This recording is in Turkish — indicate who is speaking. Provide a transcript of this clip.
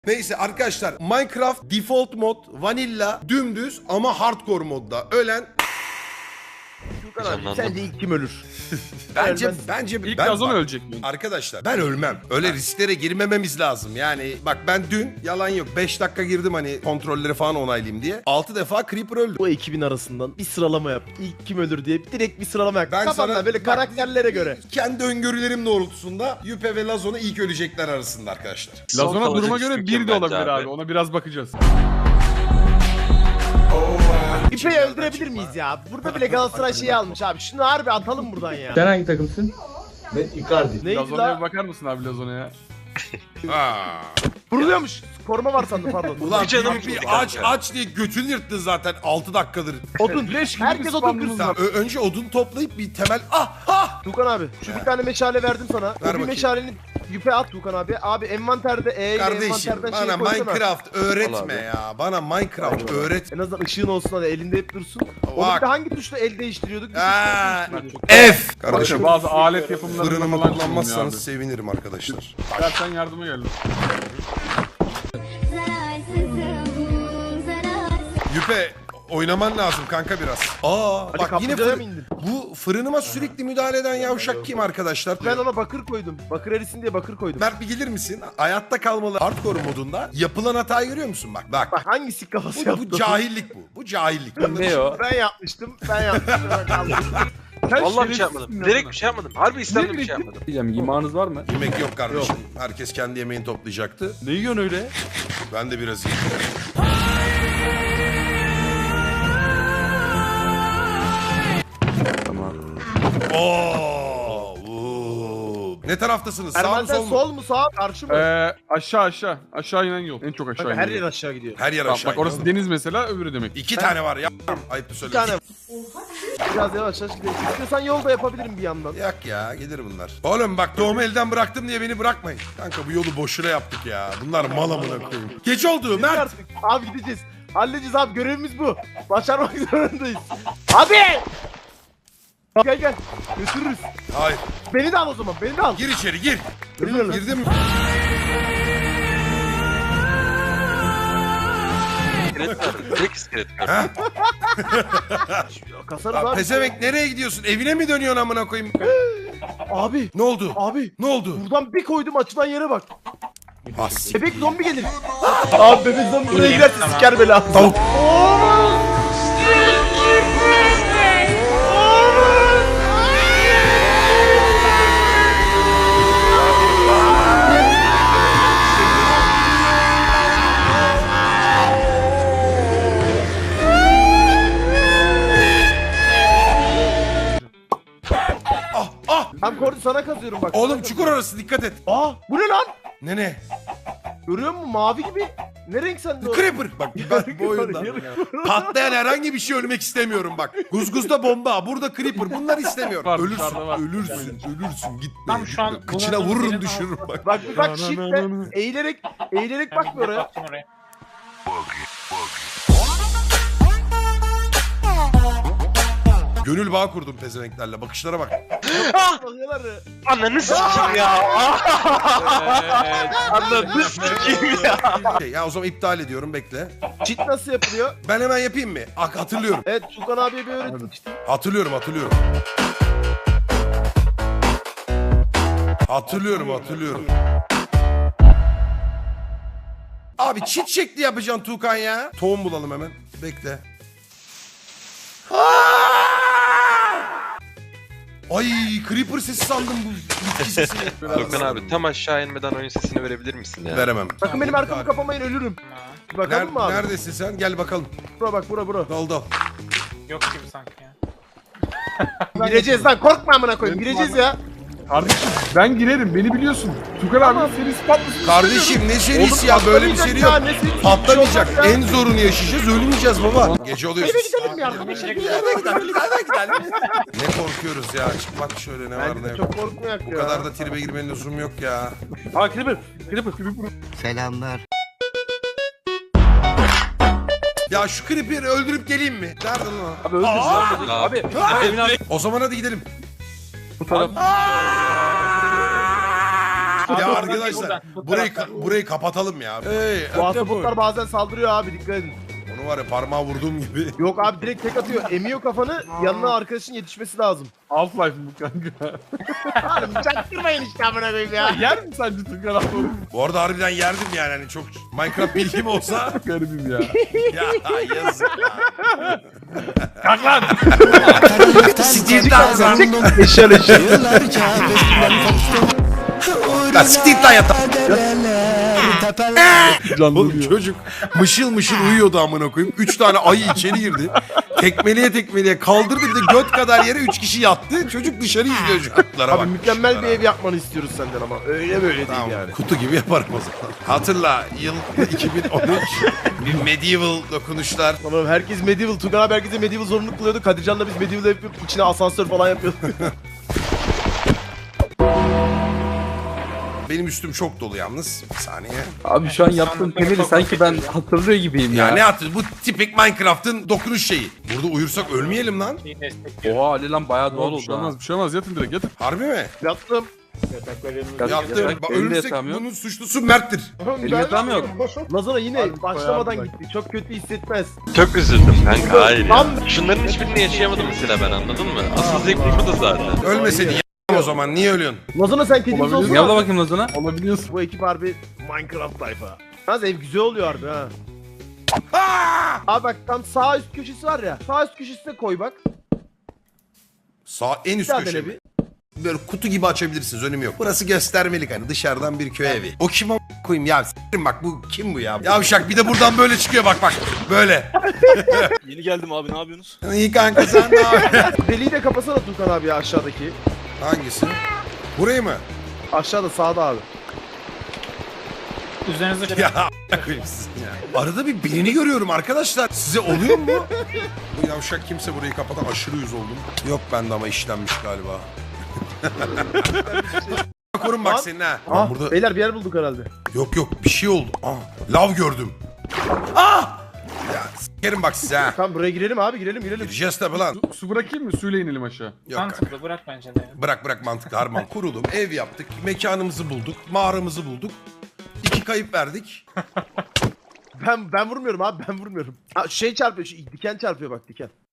Speaker 1: Neyse arkadaşlar, Minecraft default mod vanilla dümdüz ama hardcore modda ölen
Speaker 2: Sence ilk kim ölür?
Speaker 1: bence
Speaker 3: İlk
Speaker 1: ben
Speaker 3: Lazon
Speaker 1: bak,
Speaker 3: ölecek mi?
Speaker 1: Arkadaşlar ben ölmem. Öyle risklere girmememiz lazım. Yani bak ben dün yalan yok 5 dakika girdim hani kontrolleri falan onaylayayım diye. 6 defa Creeper öldü.
Speaker 2: Bu ekibin arasından bir sıralama yap. İlk kim ölür diye direkt bir sıralama yap.
Speaker 1: Ben
Speaker 2: Kafamda
Speaker 1: sana-
Speaker 2: böyle
Speaker 1: bak-
Speaker 2: karakterlere göre.
Speaker 1: Kendi öngörülerim doğrultusunda Yüpe ve Lazon'u ilk ölecekler arasında arkadaşlar.
Speaker 3: Lazona
Speaker 4: kalıcı
Speaker 3: duruma göre
Speaker 4: küçükken
Speaker 3: bir de olabilir
Speaker 4: bence
Speaker 3: abi.
Speaker 4: abi.
Speaker 3: Ona biraz bakacağız.
Speaker 2: İpeyi öldürebilir miyiz ya? Burada bile Galatasaray şeyi almış abi. Şunu harbi atalım buradan ya.
Speaker 5: Sen hangi takımsın?
Speaker 2: Neydi
Speaker 3: Lazona'ya
Speaker 2: la?
Speaker 3: bir bakar mısın abi Lazona'ya?
Speaker 1: Aa.
Speaker 2: Vuruluyormuş. Koruma var sandım pardon.
Speaker 1: Ulan
Speaker 4: canım
Speaker 1: bir
Speaker 4: gitti
Speaker 1: aç
Speaker 4: kanka.
Speaker 1: aç diye götünü yırttın zaten 6 dakikadır.
Speaker 2: Odun.
Speaker 3: Leş gibi
Speaker 2: Herkes
Speaker 3: bir
Speaker 2: odun
Speaker 3: spamımız
Speaker 2: kırsın.
Speaker 3: var.
Speaker 1: Önce odun toplayıp bir temel... Ah!
Speaker 2: Tukan abi şu bir tane meşale verdim sana. O bir
Speaker 1: bakayım.
Speaker 2: meşaleni yüpe at Tukan abi. Abi envanterde E ile
Speaker 1: Kardeşim
Speaker 2: envanterden
Speaker 1: bana
Speaker 2: şey koysana.
Speaker 1: Minecraft öğretme
Speaker 4: abi.
Speaker 1: ya. Bana Minecraft öğret.
Speaker 2: En azından ışığın olsun hadi elinde hep dursun. Onu
Speaker 1: Bak.
Speaker 2: bir de hangi tuşla el değiştiriyorduk?
Speaker 1: Aa,
Speaker 2: Değiştiriyorduk.
Speaker 1: F!
Speaker 3: Arkadaşlar
Speaker 1: Kardeşim
Speaker 3: bazı alet yapımlarında
Speaker 1: fırınımı
Speaker 3: falan
Speaker 1: kullanmazsanız
Speaker 3: kullanmazsanız.
Speaker 1: sevinirim arkadaşlar.
Speaker 3: Dersen yardıma geldim.
Speaker 1: Yüpe oynaman lazım kanka biraz.
Speaker 2: Hadi
Speaker 1: Bak yine
Speaker 2: kaplıcaya mı indin?
Speaker 1: bu fırınıma sürekli müdahale eden yavşak kim arkadaşlar?
Speaker 2: Ben ona bakır koydum. Bakır erisin diye bakır koydum.
Speaker 1: Mert bir gelir misin? Hayatta kalmalı hardcore modunda yapılan hatayı görüyor musun? Bak.
Speaker 2: Bak hangisi kafası yaptı?
Speaker 1: Bu cahillik bu. Bu cahillik.
Speaker 4: Ne o?
Speaker 2: Ben yapmıştım. Ben yapmıştım. Ben kaldım.
Speaker 3: Sen
Speaker 4: Vallahi bir şey
Speaker 3: şerefsizsin
Speaker 4: yapmadım.
Speaker 3: ya
Speaker 4: Direkt
Speaker 3: bana.
Speaker 4: bir şey yapmadım. Harbi İslam'da bir şey yapmadım.
Speaker 3: Diyeceğim yemeğiniz var mı?
Speaker 1: Yemek yok kardeşim. Herkes kendi yemeğini toplayacaktı.
Speaker 3: Ne yiyorsun öyle?
Speaker 1: Ben de biraz yiyeyim.
Speaker 3: Tamam.
Speaker 1: Oo. Ne taraftasınız? Sağ mı
Speaker 2: Erman'dan
Speaker 1: sol mu?
Speaker 2: sol mu sağ mı karşı mı?
Speaker 3: Aşağı. Aşağı inen yol. En çok aşağı
Speaker 2: Kanka,
Speaker 3: inen
Speaker 2: her
Speaker 3: yol.
Speaker 2: yer aşağı gidiyor.
Speaker 1: Her yer
Speaker 3: Bak,
Speaker 1: aşağı.
Speaker 3: bak orası deniz mesela öbürü demek.
Speaker 1: 2 tane var ya. Ayıptı
Speaker 2: Bir
Speaker 1: söylüyorum.
Speaker 2: tane. Biraz yavaş gidelim. İstiyorsan yolda yapabilirim bir yandan.
Speaker 1: Yak ya gelir bunlar. Oğlum bak tohumu elden bıraktım diye beni bırakmayın. Kanka bu yolu boşuna yaptık ya. Bunlar mal amına koyayım. Geç oldu Mert.
Speaker 2: Artık. Abi gideceğiz. Halledeceğiz abi görevimiz bu. Başarmak zorundayız. Abi! Gel. Götürürüz.
Speaker 1: Hayır.
Speaker 2: Beni de al o zaman. Beni de al.
Speaker 1: Gir içeri gir.
Speaker 2: Geliyorum.
Speaker 1: Girdim.
Speaker 4: İskelet var. Tek iskelet var.
Speaker 1: Ha?
Speaker 2: Kasarız
Speaker 1: Lan
Speaker 2: abi.
Speaker 1: pezevenk nereye gidiyorsun? Evine mi dönüyorsun amına koyayım?
Speaker 2: Abi.
Speaker 1: Ne oldu?
Speaker 2: Abi.
Speaker 1: Ne oldu?
Speaker 2: Buradan bir koydum açılan yere bak.
Speaker 1: As.
Speaker 2: Bebek zombi gelir. Abi bebek zombi buraya giderse siker bela.
Speaker 1: Tavuk. Ah.
Speaker 2: Ben kordu sana kazıyorum bak.
Speaker 1: Oğlum çukur orası dikkat et.
Speaker 2: Aa bu ne lan?
Speaker 1: Ne?
Speaker 2: Görüyor musun mavi gibi? Ne renk sende o?
Speaker 1: Creeper. Bak ben bu oyunda patlayan herhangi bir şey ölmek istemiyorum bak. Guzguzda bomba, burada creeper. Bunları istemiyorum.
Speaker 3: Var,
Speaker 1: Ölürsün,
Speaker 3: dışarıda var.
Speaker 1: ölürsün, gitme.
Speaker 6: Tam şu an
Speaker 1: gitme. Kıçına vururum düşürürüm bak.
Speaker 2: Bak bir bak shift'le eğilerek bak bir oraya.
Speaker 6: Baktım oraya.
Speaker 1: Gönül bağı kurdum pezevenklerle. Bakışlara bak.
Speaker 2: Bakıyorlar.
Speaker 4: Ananı sikeyim ya. Ananı sikeyim ya.
Speaker 1: Ya o zaman iptal ediyorum bekle.
Speaker 2: Cheat nasıl yapılıyor?
Speaker 1: Ben hemen yapayım mı? Hatırlıyorum.
Speaker 2: Evet Tukan abiye bir öğretmiştim.
Speaker 1: Hatırlıyorum. Hatırlıyorum. Abi çit şekli yapacaksın Tuğkan ya. Tohum bulalım hemen. Bekle. Ay creeper sesi sandım bu bitki sesini.
Speaker 4: Dokan abi tam aşağı inmeden oyun sesini verebilir misin ya?
Speaker 1: Veremem.
Speaker 2: Bakın benim arkamı kapamayın ölürüm. Bir bakalım mı abi?
Speaker 1: Neredesin sen? Gel bakalım.
Speaker 2: Bura bak bura.
Speaker 1: Dal.
Speaker 6: Yok gibi sanki ya.
Speaker 2: Gireceğiz lan korkma amına koyayım gireceğiz ya.
Speaker 3: Kardeşim ben girerim beni biliyorsun. Tukan abi seni patlasın.
Speaker 1: Kardeşim ne serisi
Speaker 2: Oğlum,
Speaker 1: ya böyle bir
Speaker 2: patlamayacak
Speaker 1: seri
Speaker 2: ya,
Speaker 1: yok.
Speaker 2: ne serisi?
Speaker 1: Patlamayacak.
Speaker 2: Bir şey olmaz ya.
Speaker 1: En zorunu yaşayacağız. Ölmeyeceğiz baba. Gece oluyor.
Speaker 2: Eve gidelim ya arkadaşlar.
Speaker 1: Ne korkuyoruz ya. Çık bak şöyle ne var
Speaker 2: Bence
Speaker 1: ne
Speaker 2: de
Speaker 1: yok.
Speaker 2: çok korkmayak ya.
Speaker 1: Bu kadar da tribe girmenin lüzumu yok ya.
Speaker 3: Aa Creeper.
Speaker 7: Selamlar.
Speaker 1: Ya şu creeper'i öldürüp geleyim mi? Nerede lan o?
Speaker 3: Abi öldür. Abi. Evin abi.
Speaker 1: O zaman hadi gidelim.
Speaker 3: Bu taraf.
Speaker 1: Ya
Speaker 6: Abi,
Speaker 1: arkadaşlar
Speaker 6: buradan, bu
Speaker 1: burayı
Speaker 6: taraftan.
Speaker 1: burayı kapatalım ya. Hey,
Speaker 2: Bu ahtapotlar bazen saldırıyor abi, dikkat edin.
Speaker 1: onu var ya parmağı vurduğum gibi.
Speaker 2: Yok abi, direkt tek atıyor. Emiyor kafanı, yanına arkadaşın yetişmesi lazım.
Speaker 3: Half-Life bu kanka.
Speaker 2: Oğlum çaktırmayın işte amına koyayım ya.
Speaker 3: Yer mi sence Tukan abi?
Speaker 1: Bu arada harbiden yerdim yani hani çok Minecraft bilgim olsa.
Speaker 3: Garibim ya.
Speaker 1: Ya yazık ya.
Speaker 3: Kalk lan.
Speaker 1: Steve'den sen.
Speaker 2: Eşel eşel.
Speaker 1: Lan Steve lan yatağa.
Speaker 3: Canlı
Speaker 1: Oğlum
Speaker 3: diyor.
Speaker 1: çocuk mışıl mışıl uyuyordu amına koyayım. 3 tane ayı içeri girdi. Tekmeliye kaldırdı, bir de göt kadar yere 3 kişi yattı. Çocuk dışarı izliyor şu atlara bak.
Speaker 2: Abi mükemmel bir ev yapmanı istiyoruz senden ama. Öyle böyle
Speaker 1: Tamam,
Speaker 2: değil yani.
Speaker 1: kutu gibi yaparım o zaman. Hatırla yıl 2013 bir medieval dokunuşlar.
Speaker 2: Tamam, herkes medieval. Tugan abi herkese medieval zorunluluk kılıyordu. Kadircan'la biz medieval yapıp içine asansör falan yapıyorduk.
Speaker 1: Benim üstüm çok dolu yalnız. Bir saniye.
Speaker 5: Abi şu an yaptığım temeli sanki ben hatırlıyor gibiyim
Speaker 1: Ya
Speaker 5: ya.
Speaker 1: ne yaptın? Bu tipik Minecraft'ın dokunuş şeyi. Burada uyursak ölmeyelim lan.
Speaker 6: İyi destek.
Speaker 5: Oha Ali lan bayağı doğal
Speaker 3: Bir
Speaker 5: oldu
Speaker 3: şey
Speaker 5: ha.
Speaker 3: olmaz, bir şey olmaz. Yatın direkt yatın.
Speaker 1: Harbi mi?
Speaker 2: Yattım.
Speaker 1: Yaptım. Bak,
Speaker 5: Benim de
Speaker 1: ölürsek
Speaker 5: yatağım yok.
Speaker 1: bunun suçlusu Mert'tir.
Speaker 5: Benim yatağım yok.
Speaker 2: Lazona yine
Speaker 3: Harbi
Speaker 2: başlamadan
Speaker 3: koyardım
Speaker 2: gitti. Çok kötü hissetmez.
Speaker 4: Çok üzüldüm kanka, hayır ya.
Speaker 2: Lan!
Speaker 4: Şunların hiçbirini yaşayamadım mesela ben, anladın mı? Asıl zevk burada zaten.
Speaker 1: Ölmeseydin ya o zaman. Niye ölüyorsun?
Speaker 2: Lazona sen kedimiz
Speaker 3: Olabilir.
Speaker 2: olsun.
Speaker 5: Yavla bakayım Lazona.
Speaker 3: Olabiliyorsun.
Speaker 2: Bu ekip harbi Minecraft tayfa. Yalnız ev güzel oluyor harbi ha.
Speaker 1: Aa!
Speaker 2: Abi bak tam sağ üst köşesi var ya. Sağ üst köşesine koy bak.
Speaker 1: Sağ en üst
Speaker 2: Bir daha
Speaker 1: köşe
Speaker 2: dene
Speaker 1: mi?
Speaker 2: bir.
Speaker 1: Böyle kutu gibi açabilirsiniz, önemi yok. Burası göstermelik hani, dışarıdan bir köy evi. O kim koyayım ya? S**erim bak, bu kim bu ya? Yavşak bir de buradan böyle çıkıyor bak bak. Böyle.
Speaker 8: Yeni geldim abi, ne yapıyorsunuz?
Speaker 1: İyi kanka, sen ne yapıyorsun?
Speaker 2: Deliği de kapasana Tukan abi ya, aşağıdaki.
Speaker 1: Hangisi? Burayı mı?
Speaker 2: Aşağıda, sağda abi.
Speaker 6: Üzerinize
Speaker 1: Ya a**a koyayım sizin ya. Arada bir birini görüyorum arkadaşlar. Size oluyor mu? Bu yavşak kimse burayı kapatan, aşırı yüz oldum. Yok bende ama işlenmiş galiba. Korun bak
Speaker 2: Lan.
Speaker 1: senin ha.
Speaker 2: Ah,
Speaker 1: Burada
Speaker 2: beyler bir yer bulduk herhalde.
Speaker 1: yok bir şey oldu. Lav gördüm. Ya s**erim bak size ha.
Speaker 2: Tamam buraya girelim abi, girelim.
Speaker 1: Gireceğiz tabi lan.
Speaker 3: Su bırakayım mı? Suyla inelim aşağı.
Speaker 1: Yok kanka.
Speaker 6: mantıklı, bırak bence de.
Speaker 1: Bırak mantıklı harman. Kurulum, ev yaptık, mekanımızı bulduk, mağaramızı bulduk. 2 kayıp verdik.
Speaker 2: Ben vurmuyorum abi, ben vurmuyorum. Ha, şey çarpıyor, şu diken çarpıyor bak, diken.